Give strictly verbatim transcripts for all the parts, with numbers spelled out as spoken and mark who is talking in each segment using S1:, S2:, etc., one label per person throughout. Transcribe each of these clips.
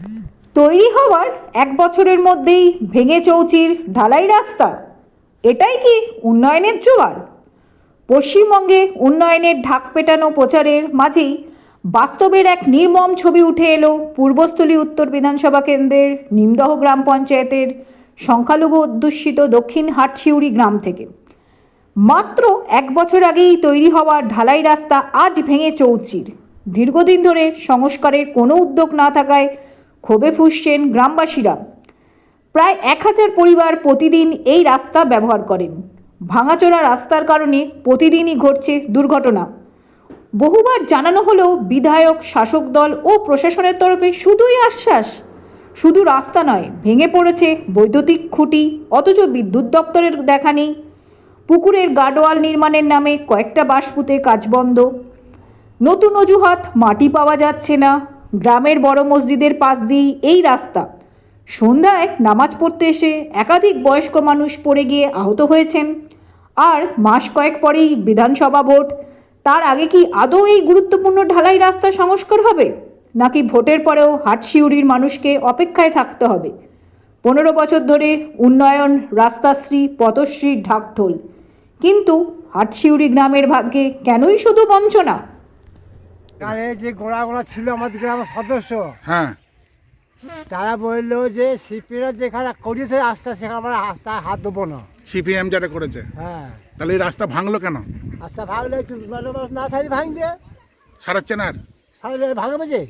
S1: তৈরি হওয়ার এক বছরের মধ্যেই ভেঙে চৌচির ঢালাই রাস্তা, এটাই কি উন্নয়নের জোয়ার? পশ্চিমবঙ্গে উন্নয়নের ঢাক পেটানো প্রচারের মাঝেই বাস্তবের এক নির্মম ছবি উঠে এলো পূর্বস্থলী উত্তর বিধানসভা কেন্দ্রের নিমদহ গ্রাম পঞ্চায়েতের সংখ্যালঘু অধ্যুষিত দক্ষিণ হাটশিউড়ি গ্রাম থেকে। মাত্র এক বছর আগেই তৈরি হওয়া ঢালাই রাস্তা আজ ভেঙে চৌচির। দীর্ঘদিন ধরে সংস্কারের কোনো উদ্যোগ না থাকায় ক্ষোভে ফুঁসছেন গ্রামবাসীরা। প্রায় এক হাজার পরিবার প্রতিদিন এই রাস্তা ব্যবহার করেন। ভাঙাচোরা রাস্তার কারণে প্রতিদিনই ঘটছে দুর্ঘটনা। বহুবার জানানো হলেও বিধায়ক, শাসক দল ও প্রশাসনের তরফে শুধুই আশ্বাস। শুধু রাস্তা নয়, ভেঙে পড়েছে বৈদ্যুতিক খুঁটি, অথচ বিদ্যুৎ দপ্তরের দেখা নেই। পুকুরের গার্ডওয়াল নির্মাণের নামে কয়েকটা বাঁশপুতে কাজ বন্ধ। নতুন অজুহাত, মাটি পাওয়া যাচ্ছে না। গ্রামের বড় মসজিদের পাশ দিয়েই এই রাস্তা। সন্ধ্যায় নামাজ পড়তে এসে একাধিক বয়স্ক মানুষ পড়ে গিয়ে আহত হয়েছেন। আর মাস কয়েক পরেই বিধানসভা ভোট। তার আগে কি আদৌ এই গুরুত্বপূর্ণ ঢালাই রাস্তা সংস্কার হবে, নাকি ভোটের পরেও হাটশিউড়ির মানুষকে অপেক্ষায় থাকতে হবে? পনেরো বছর ধরে উন্নয়ন, রাস্তাশ্রী, পথশ্রীর ঢাকঢোল, কিন্তু হাটশিউড়ি গ্রামের ভাগ্যে কেনই শুধু বঞ্চনা?
S2: আরে যে গোড়া গোড়া ছিল আমাদের গ্রামের সদস্য,
S3: হ্যাঁ,
S2: তারা বললো যে সিপিরা যেখানে করেছে রাস্তা সেখানে আমরা রাস্তা হাত দেবো না।
S3: সিপিএম যেটা করেছে,
S2: হ্যাঁ,
S3: তাহলে এই রাস্তা ভাঙলো কেন?
S2: রাস্তা ভাঙলে একটু মানুষ মানুষ না থাকলে ভাঙবে,
S3: সারাচ্ছে না আর?
S2: ভাঙলে ভাঙবে যে।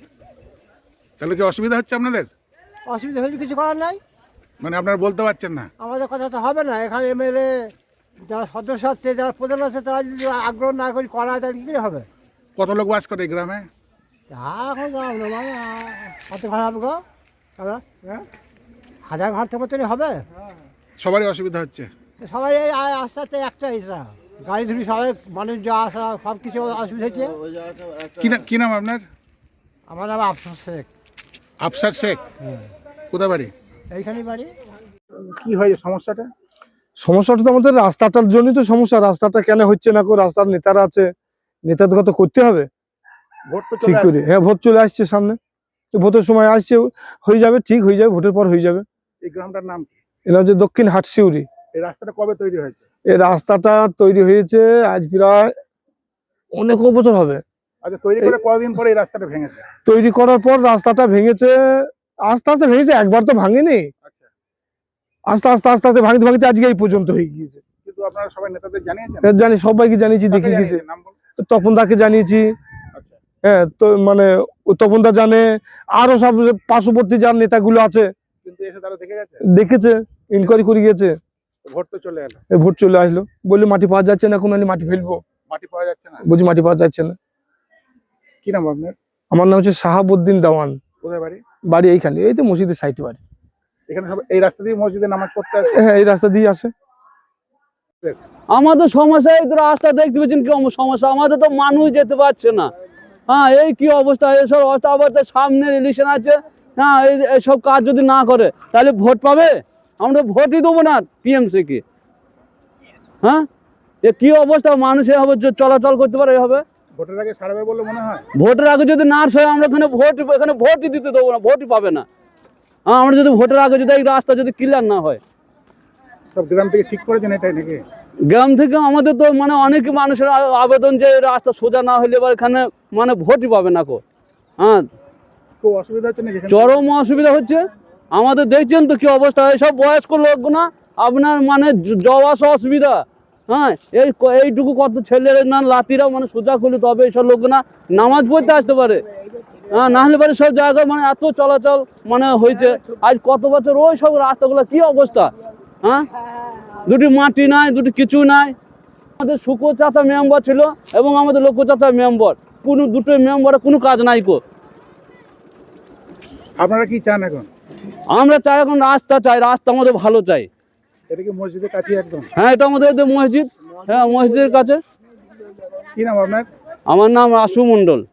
S3: তাহলে কি অসুবিধা হচ্ছে আপনাদের?
S2: অসুবিধা হলে কিছু করার নাই,
S3: মানে আপনারা বলতে পারছেন না?
S2: আমাদের কথা তো হবে না। এখানে এমএলএ যারা সদস্য আছে, যারা প্রধান আছে, তারা যদি আগ্রহ না করি করা তাহলে কী করে হবে?
S3: কত লোক বাস করে এই গ্রামে?
S2: তা এখন যাও না, মানে কত ঘর হবে গো? দাদা, হ্যাঁ, হাজার ঘর থেকে মতনই হবে।
S3: সবারই অসুবিধা হচ্ছে।
S2: সবাই এই আ- আস্তে আস্তে একটা এটা গাড়ি ধরি সবাই মানুষ যা আসা সব কিছু অসুবিধা হচ্ছে।
S3: কি না কি নাম আপনার?
S2: আমার নাম আফসোস শেখ।
S3: আফসার শেখ। কোথায় বাড়ি?
S2: এইখানেই বাড়ি।
S3: কি হয়েছে সমস্যাটা?
S4: সমস্যাটা তো আমাদের রাস্তাটার জন্যই তো সমস্যা। রাস্তাটা কেন হচ্ছে না, কো রাস্তার নেতারা আছে, নেতাদের তো করতে হবে
S3: ভোট তো
S4: ঠিক
S3: চলে
S4: করে।
S3: আসছে।
S4: হ্যাঁ, ভোট চলে আসছে সামনে, তো ভোটের সময় আসছে, হয়ে যাবে, ঠিক হয়ে যাবে, ভোটের পর হয়ে যাবে।
S3: এই গ্রামটার নাম কি?
S4: এটা হচ্ছে দক্ষিণ হাটশিউড়ি।
S3: এই রাস্তাটা কবে তৈরি হয়েছে?
S4: এই রাস্তাটা তৈরি হয়েছে আজ প্রায় অনেক বছর হবে।
S3: আচ্ছা, তৈরি করে কতদিন পরে এই রাস্তাটা ভেঙেছে?
S4: তৈরি করার পর রাস্তাটা ভেঙেছে, আস্তে আস্তে ভেঙেছে, একবার তো ভাঙেনি।
S3: আচ্ছা,
S4: আস্তে আস্তে আস্তে আস্তে ভাঙতে ভাঙতে আজকে এই পর্যন্ত হয়ে গিয়েছে।
S3: কিন্তু আপনারা সবাই নেতাদের জানিয়েছেন?
S4: এর জানি, সবাইকে জানিয়েছি,
S3: কাকে
S4: দেখে গেছে।
S3: জানিয়েছেন? নাম বলুন।
S4: তপন দাকে জানিয়েছি।
S3: আচ্ছা,
S4: হ্যাঁ, তো মানে তপন দা জানে, আরো সব পার্শ্ববর্তী যার নেতাগুলো আছে
S3: কিন্তু এসে তারা দেখে গেছে,
S4: দেখেছে, ইনকোয়ারি করে গেছে।
S3: ভোট তো চলে এলো,
S4: এই ভোট চলে আসলো, বললে মাটি পাওয়া যাচ্ছে না, এখন আমি মাটি ফেলবো।
S3: মাটি পাওয়া যাচ্ছে না।
S4: বলছি মাটি পাওয়া যাচ্ছে না।
S3: কি নাম আপনার?
S4: আমার নাম হচ্ছে শাহাবুদ্দিন দেওয়ান।
S3: কোথায় বাড়ি?
S4: বাড়ি এইখানে, এই তো মসজিদের সাইডে বাড়ি।
S3: এখানে সব এই রাস্তা দিয়ে মসজিদে নামাজ পড়তে আসে?
S4: হ্যাঁ, এই রাস্তা দিয়ে আসে।
S5: আমাদের সমস্যা এই তো রাস্তা দেখতে পাচ্ছেন কি সমস্যা, আমাদের তো মানুষ যেতে পারছে না। হ্যাঁ, এই কি অবস্থা, এইসব অবস্থা। আবার তো সামনে ইলেকশন আছে। হ্যাঁ, এই এইসব কাজ যদি না করে তাহলে ভোট পাবে? আমরা ভোটই দেবো না টিএমসি কি। হ্যাঁ, এ কি অবস্থা, মানুষ এভাবে চলাচল করতে পারে এভাবে?
S3: ভোটের আগে ছাড়বে বলে মনে হয়?
S5: ভোটের আগে যদি না হয় আমরা এখানে ভোট এখানে ভোটই দিতে দেবো না, ভোটই পাবে না। হ্যাঁ, আমরা যদি ভোটের আগে যদি এই রাস্তা যদি ক্লিয়ার না হয়।
S3: সব গ্রাম থেকে ঠিক করেছেন এটাই নাকি?
S5: গ্রাম থেকে আমাদের তো মানে অনেক মানুষের আ- আবেদন যে রাস্তা সোজা না হলে এবার এখানে মানে ভোটই পাবে না কো। হ্যাঁ,
S3: খুব অসুবিধা হচ্ছে না যেখানে?
S5: চরম অসুবিধা হচ্ছে আমাদের। দেখছেন তো কি অবস্থা, এইসব বয়স্ক লোক না আপনার মানে জ- যাওয়া আসা অসুবিধা। হ্যাঁ, এই ক- এইটুকু কত ছেলের না লাতিরা মানে সোজা করলে তবে এইসব লোক না নামাজ পড়তে আসতে পারে। হ্যাঁ, না হলে পারে সব জায়গায় মানে এত চলাচল মানে হয়েছে আজ কত বছর, ওই সব রাস্তাগুলো কি অবস্থা। হ্যাঁ, দুটি মাটি নাই, দুটি কিছু নাই। আমাদের শুকো চাচা মেম্বার ছিল এবং আমাদের লোক চাচা মেম্বার, কোনো দুটো মেম্বারের কোনো কাজ নাই কো।
S3: আপনারা কি চান এখন?
S5: আমরা চাই এখন রাস্তা চাই, রাস্তা আমাদের ভালো চাই।
S3: এটা কি মসজিদের কাছে একদম?
S5: হ্যাঁ, এটা আমাদের এই যে মসজিদ, হ্যাঁ মসজিদের কাছে।
S3: কি নাম আপনার?
S5: আমার নাম আশু মণ্ডল।